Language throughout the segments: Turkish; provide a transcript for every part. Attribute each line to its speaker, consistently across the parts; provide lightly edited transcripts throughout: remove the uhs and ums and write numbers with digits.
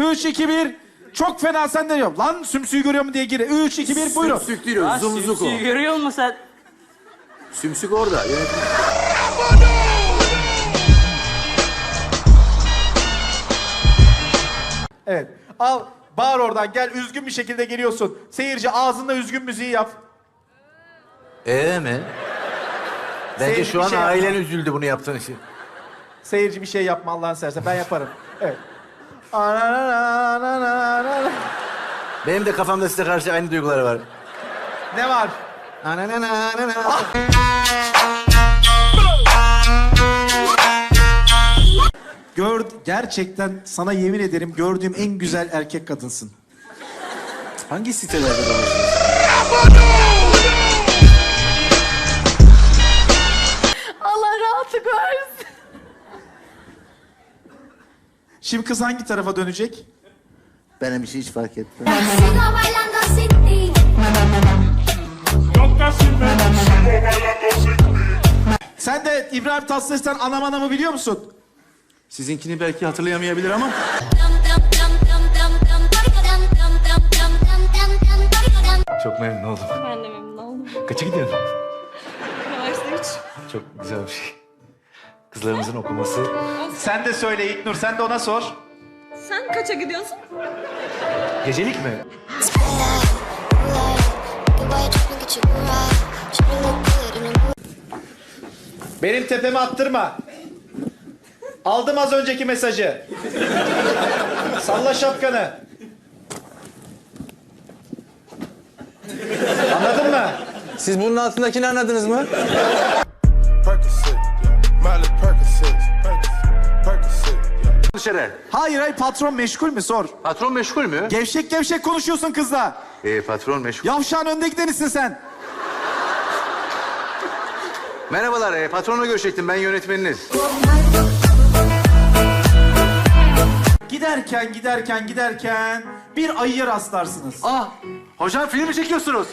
Speaker 1: 3, 2, 1. Çok fena sen de yok. Lan sümsüğü görüyor mu diye gir. 3, 2, 1 buyurun.
Speaker 2: Sümsük değil o, zumzuk o.
Speaker 3: Sümsüğü görüyor musun sen?
Speaker 2: Sümsük orada.
Speaker 1: Evet. Al, bağır oradan. Gel, üzgün bir şekilde geliyorsun. Seyirci ağzında üzgün müziği yap.
Speaker 2: Mi? Bence
Speaker 1: Seyirci
Speaker 2: şu
Speaker 1: bir
Speaker 2: an
Speaker 1: şey yapma.
Speaker 2: ailen üzüldü bunu yaptığın için.
Speaker 1: Seyirci bir şey yapma Allah'ını seversen. Ben yaparım. Evet.
Speaker 2: Benim de kafamda size karşı aynı duyguları var.
Speaker 1: Ne var? Gerçekten sana yemin ederim gördüğüm en güzel erkek kadınsın.
Speaker 2: Hangi sitelerde dolaşıyorsun?
Speaker 4: Allah rahatlık versin.
Speaker 1: Şimdi kız hangi tarafa dönecek?
Speaker 2: Benim için hiç fark etmez.
Speaker 5: Sigo bailando sin ti.
Speaker 1: Sen de İbrahim Tatlıses'ten Anam Anam'ı biliyor musun?
Speaker 2: Sizinkini belki hatırlayamayabilir ama...
Speaker 5: Dum dum dum dum dum dum. Dum dum dum dum dum dum dum.
Speaker 2: Çok memnun oldum.
Speaker 4: Ben de memnun oldum.
Speaker 2: Kaça gidiyorsun?
Speaker 4: Üniversite 3.
Speaker 2: Çok güzel bir şey. Kızlarımızın okuması.
Speaker 1: Sen de söyle İlknur, sen de ona sor.
Speaker 4: Sen kaça gidiyorsun?
Speaker 2: Gecelik mi?
Speaker 1: Benim tepeme attırma. Aldım az önceki mesajı. Salla şapkanı. Anladın mı?
Speaker 2: Siz bunun altındakini anladınız mı?
Speaker 6: Percocet, Miley Percocet, Percocet.
Speaker 2: Dışarı.
Speaker 1: Hayır patron meşgul mü sor.
Speaker 2: Patron meşgul mü?
Speaker 1: Gevşek gevşek konuşuyorsun kızla.
Speaker 2: Patron meşgul.
Speaker 1: Yavşağın önde gidenisin sen.
Speaker 2: Merhabalar, patronla görüşecektim. Ben yönetmeniniz.
Speaker 1: Giderken bir ayıya rastlarsınız.
Speaker 2: Ah, hocam film mi çekiyorsunuz?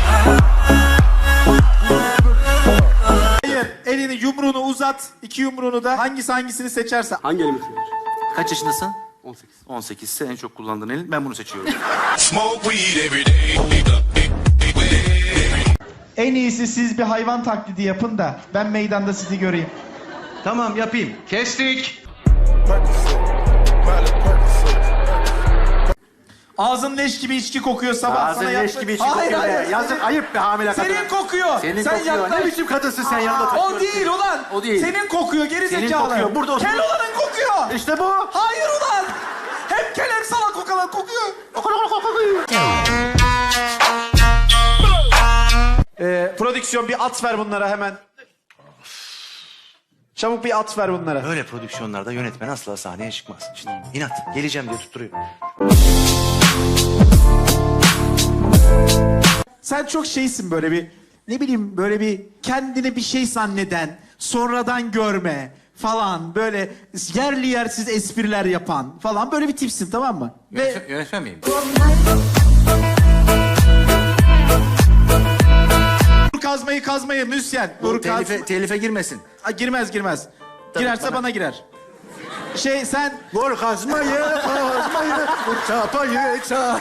Speaker 1: Hayır, elini yumruğunu uzat. 2 yumruğunu da hangisini seçerse.
Speaker 3: Hangi elimi seviyorsun?
Speaker 2: Kaç yaşındasın?
Speaker 3: 18.
Speaker 2: 18 ise en çok kullandığın elin. Ben bunu seçiyorum.
Speaker 6: Smoke weed every day.
Speaker 1: En iyisi siz bir hayvan taklidi yapın da ben meydanda sizi göreyim.
Speaker 2: Tamam, yapayım. Kestik.
Speaker 6: Percocet, Miley Percocet.
Speaker 1: Ağzın leş gibi içki kokuyor sabah.
Speaker 2: Ağzın
Speaker 1: sana
Speaker 2: leş
Speaker 1: yaptı-
Speaker 2: gibi içi
Speaker 1: Hayır,
Speaker 2: kokuyor.
Speaker 1: hayır.
Speaker 2: Yazık, ayıp be hamile kadın.
Speaker 1: Senin kokuyor.
Speaker 2: Senin
Speaker 1: sen
Speaker 2: kokuyor.
Speaker 1: yaklaş.
Speaker 2: Ne biçim kadınsın sen yanında takıyorsun?
Speaker 1: O değil ulan.
Speaker 2: O değil.
Speaker 1: Senin kokuyor geri
Speaker 2: Senin
Speaker 1: zekalı.
Speaker 2: kokuyor, burada otur.
Speaker 1: Kel olanın kokuyor.
Speaker 2: İşte bu.
Speaker 1: Hayır ulan. Hem kel hem salak kokalan kokuyor. Prodüksiyon bir at ver bunlara hemen. Çabuk bir at ver bunlara.
Speaker 2: Böyle prodüksiyonlarda yönetmen asla sahneye çıkmaz. Şimdi inat, geleceğim diye tutturuyor.
Speaker 1: Sen çok şeysin böyle bir, ne bileyim böyle bir kendini bir şey zanneden, sonradan görme falan böyle yerli yersiz espriler yapan falan böyle bir tipsin tamam mı?
Speaker 2: Yönetmen miyim?
Speaker 1: Vur kazmayı müzisyen. Vur
Speaker 2: Telife girmesin.
Speaker 1: Girmez. Girerse bana girer. Sen
Speaker 2: Vur kazmayı, vur çapayı, çap.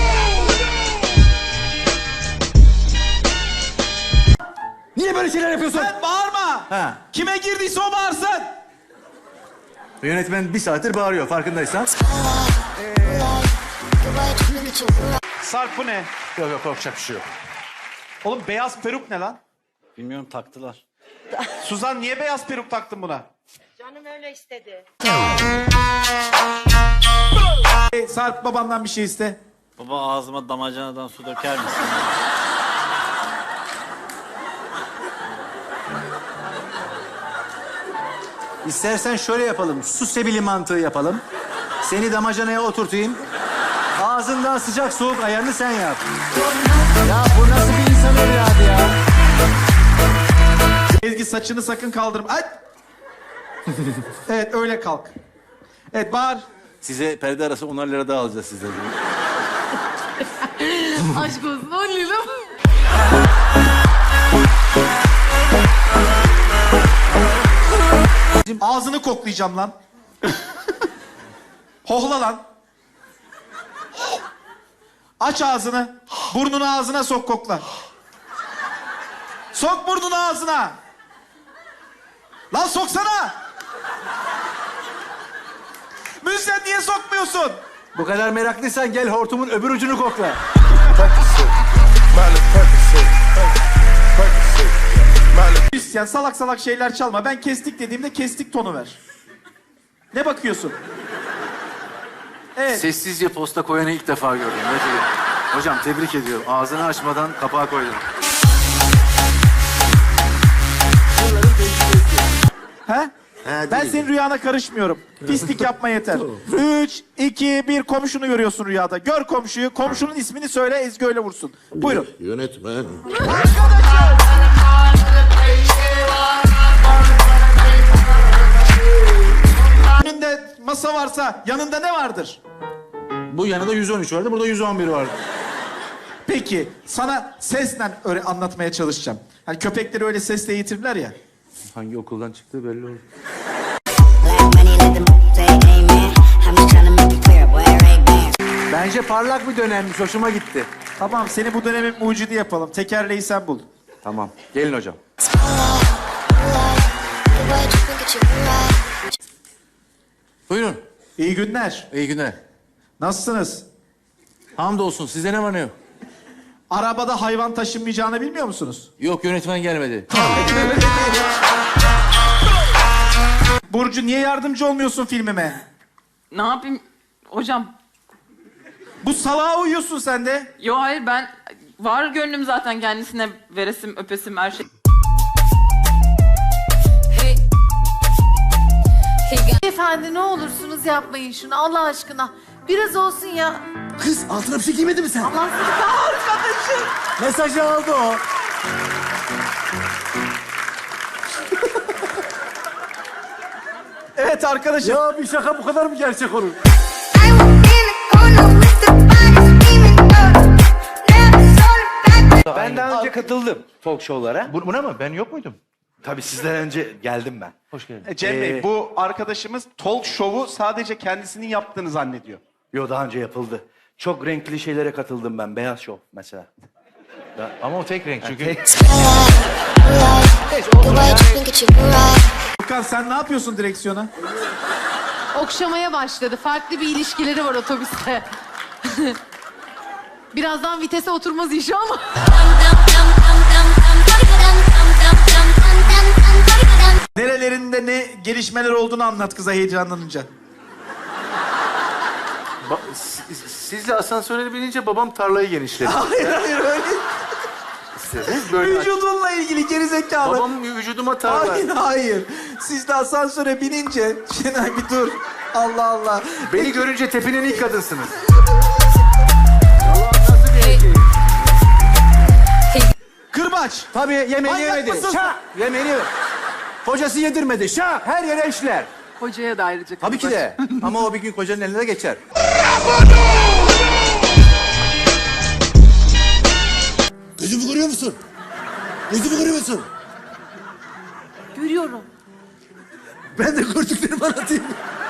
Speaker 2: Niye böyle şeyler yapıyorsun?
Speaker 1: sen bağırma.
Speaker 2: Ha.
Speaker 1: Kime girdiyse o bağırsın.
Speaker 2: Yönetmen bir saattir bağırıyor farkındaysan.
Speaker 1: Sarp bu ne?
Speaker 2: Yok korkacak bir şey yok.
Speaker 1: Oğlum beyaz peruk ne lan?
Speaker 3: Bilmiyorum taktılar.
Speaker 1: Suzan niye beyaz peruk taktın buna?
Speaker 4: Canım öyle istedi.
Speaker 1: Sarp babandan bir şey iste.
Speaker 3: Baba ağzıma damacanadan su döker misin?
Speaker 2: İstersen şöyle yapalım. Su sebili mantığı yapalım. Seni damacanaya oturtayım. Ağzından sıcak soğuk ayarını sen yap. Ya bu nasıl bir insan evladı ya?
Speaker 1: Ezgi saçını sakın kaldırma. Ay! Evet öyle kalk. Evet bağır.
Speaker 2: Size perde arası 10'ar lira daha alacağız sizden.
Speaker 4: Aşk olsun 10 lira.
Speaker 1: Ağzını koklayacağım lan. Hohla lan. Aç ağzını. Burnunu ağzına sok, kokla. Sok burnunu ağzına. Lan soksana. Müzisyen niye sokmuyorsun?
Speaker 2: Bu kadar meraklıysan gel hortumun öbür ucunu kokla.
Speaker 6: Percocet, Miley Percocet, Percocet, Miley.
Speaker 1: Müzisyen salak salak şeyler çalma. Ben kestik dediğimde kestik tonu ver. Ne bakıyorsun? Evet.
Speaker 2: Sessizce posta koyanı ilk defa gördüm. Gerçekten. Hocam tebrik ediyorum. Ağzını açmadan kapağı koydun.
Speaker 1: He? Ben senin rüyana karışmıyorum. Pislik yapma yeter. 3, 2, 1 komşunu görüyorsun rüyada. Gör komşuyu. Komşunun ismini söyle, Ezgi öyle vursun. Buyurun.
Speaker 6: Yönetmen.
Speaker 1: Önünde masa varsa yanında ne vardır?
Speaker 2: Bu yanında 113 vardı, burada 111 vardı.
Speaker 1: Peki sana sesle öyle anlatmaya çalışacağım. Hani köpekleri öyle sesle eğitirler ya.
Speaker 2: Hangi okuldan çıktığı belli oldu.
Speaker 5: Black money, let them say amen. I'm just tryna make it clear, boy, right there.
Speaker 2: Bence parlak bir dönemmiş, hoşuma gitti.
Speaker 1: Tamam, seni bu dönemin mucidi yapalım. Tekerleği sen bul.
Speaker 2: Tamam, gelin hocam. Buyurun,
Speaker 1: İyi günler.
Speaker 2: iyi günler.
Speaker 1: Nasılsınız?
Speaker 2: Hamdolsun, sizde ne var ne yok?
Speaker 1: Arabada hayvan taşınmayacağını bilmiyor musunuz?
Speaker 2: Yok, yönetmen gelmedi.
Speaker 1: Burcu niye yardımcı olmuyorsun filmime?
Speaker 7: Ne yapayım hocam?
Speaker 1: Bu salağa uyuyorsun sen de.
Speaker 7: Yo hayır ben var gönlüm zaten kendisine veresim öpesim her şey.
Speaker 8: Efendi ne olursunuz yapmayın şunu Allah aşkına. Biraz olsun ya.
Speaker 2: Kız, altına bir şey giymedi mi sen?
Speaker 8: Allah sizi arkadaşım.
Speaker 2: Mesajı aldı o.
Speaker 1: Evet arkadaşım.
Speaker 2: Ya bir şaka bu kadar mı gerçek olur?
Speaker 9: Ben daha önce katıldım talk show'lara.
Speaker 2: Buna mı? Ben yok muydum?
Speaker 9: Tabii sizden önce geldim ben.
Speaker 2: Hoş geldin.
Speaker 10: Cem Bey, bu arkadaşımız talk show'u sadece kendisinin yaptığını zannediyor.
Speaker 9: Yo, daha önce yapıldı. Çok renkli şeylere katıldım ben. Beyaz şov mesela.
Speaker 2: Ama o tek renk çünkü.
Speaker 1: Furkan sen ne yapıyorsun direksiyona?
Speaker 8: Okşamaya başladı. Farklı bir ilişkileri var otobüste. Birazdan vitese oturmaz inşallah.
Speaker 1: Nerelerinde ne gelişmeler olduğunu anlat kıza heyecanlanınca.
Speaker 2: Sizle asansöre binince babam tarlayı genişledi.
Speaker 1: Hayır öyle.
Speaker 2: Böyle
Speaker 1: Vücudunla ilgili gerizekalı.
Speaker 2: babam vücuduma tarla.
Speaker 1: Hayır. Siz de asansöre binince... Şenay bir dur. Allah Allah.
Speaker 2: Beni görünce tepinen ilk kadınsınız.
Speaker 1: Kırbaç.
Speaker 2: Tabii yemeğini
Speaker 1: Manyak
Speaker 2: yemedi.
Speaker 1: mısın?
Speaker 2: Şah! Yemeğini yemedi. Kocası yedirmedi. Şah! Her yere işler.
Speaker 7: Hocaya da ayrıca
Speaker 2: Tabii ki de. Ama o bir gün kocanın eline de geçer.
Speaker 6: Gözümü görüyor musun? Gözümü görüyor musun?
Speaker 8: Görüyorum.
Speaker 2: Ben de gördüklerimi anlatayım.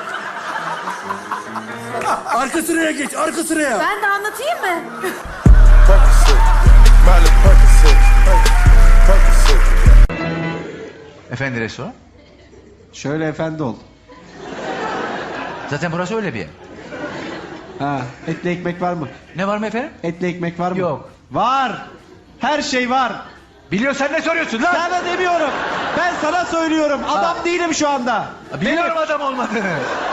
Speaker 2: Arka sıraya geç, arka sıraya.
Speaker 8: Ben de anlatayım mı?
Speaker 6: Percocet, Miley Percocet, Percocet.
Speaker 11: Efendi restoran?
Speaker 1: Şöyle efendi ol.
Speaker 11: Zaten burası öyle bir yer.
Speaker 1: Ha, etli ekmek var mı?
Speaker 11: Ne var mı efendim?
Speaker 1: Etli ekmek var mı?
Speaker 11: Yok.
Speaker 1: Var. Her şey var.
Speaker 11: Biliyorsan ne soruyorsun lan?
Speaker 1: Sana demiyorum. Ben sana söylüyorum. Adam değilim şu anda.
Speaker 11: Biliyorum adam olmadığını.